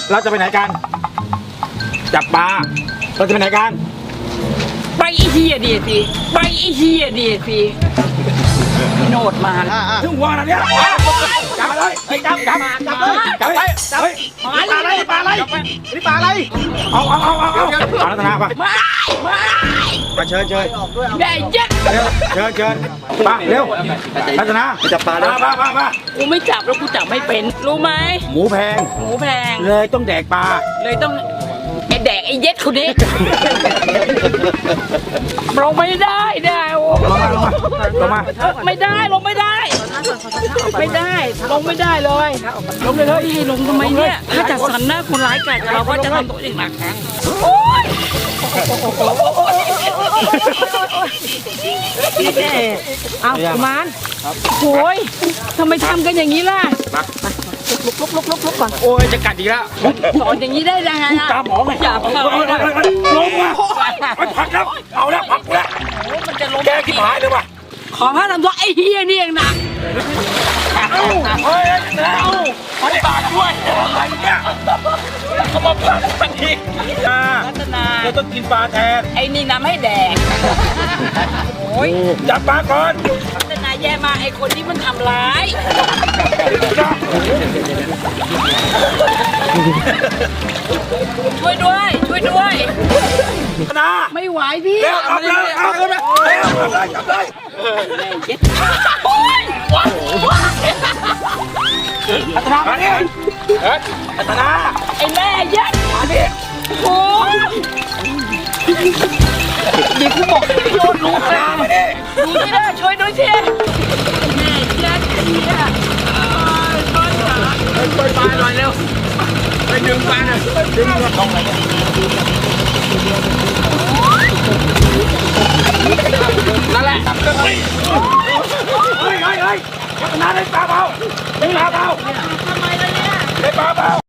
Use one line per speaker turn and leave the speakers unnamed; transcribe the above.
เราจะไปไหนกันจับปลาเราจะไปไหนกัน
ไปไอ้เฮียดีสิไปไอ้เฮียดีสิโนดมา
ถึงวัวนะเนี่ยจับเลยจับไปปลาอะไรปลาอะไรนี่ปลาอะไรเอารัตนาป่ะมาเชิญ
ได้ยัด
เชิญปลาเร็วรัตนาจับปลาแล้วมา
กูไม่จับแล้วกูจับไม่เป็นรู้ไหม
หมูแพงเลยต้องแดกปลา
เลยต้องไอแดกไอเย็ดคนนี้ลงไม่ได้โอ้
ลงมา
ไม่ได้ลงไม่ได้ลงไม่ได้เลยลงเลยพี่ลงทำไมเนี่ยถ้าจัดสรรหน้าคนร้ายแก่เราก็จะทำตัวเองหนักโอ๊ยพี่แกเอามานโอ้ยทำไมทำกันอย่างนี้ล่ะลุกก่อน
โอ้ยจะกัดอีกแล้ว
สอนอย่างนี้ได้ยังไง
ตามหมอไง
อย่าพัก
ลงมาไปพักแล้วเอาแล้วพักแล้ว
มันจะล้ม
แกขี้หายเลยว่ะ
ขอพระทำตัวไอ้เฮียนี่เองนะ
เฮ้ยเอาไปปากด้วยอะไรเนี่ยเขาบอกปากทันที
รัตนา
เราต้องกินปลาแทน
ไอ้นี่น้ำให้แดกโอ้ย
จับปลาก่อน
รัตนาแย่มาไอ้คนที่มันทำร้ายช่วยด้วย
นะ
ไม่ไหวพี่
เอาเลยจับเลยอัตนามาเนี่ยอัตนา
ไอ้แม่ยัด
มาเนี่ย
โอ้เดี๋ยวกูบอกให้โยนลูกเลยดูที่ได้ช่วยด้วยสิแม่ยัดเนี่ยช่วยจ๋าช่วยปลาหน่อยเร็วไปดึงปลาหน่อยดึงลงเลยนั่นแหละเฮ้ย
อัตนาได้ปลาเปล่าได้ปลาเปล่า
ทำไมล่ะเนี่ย
ได้ปลาเปล่า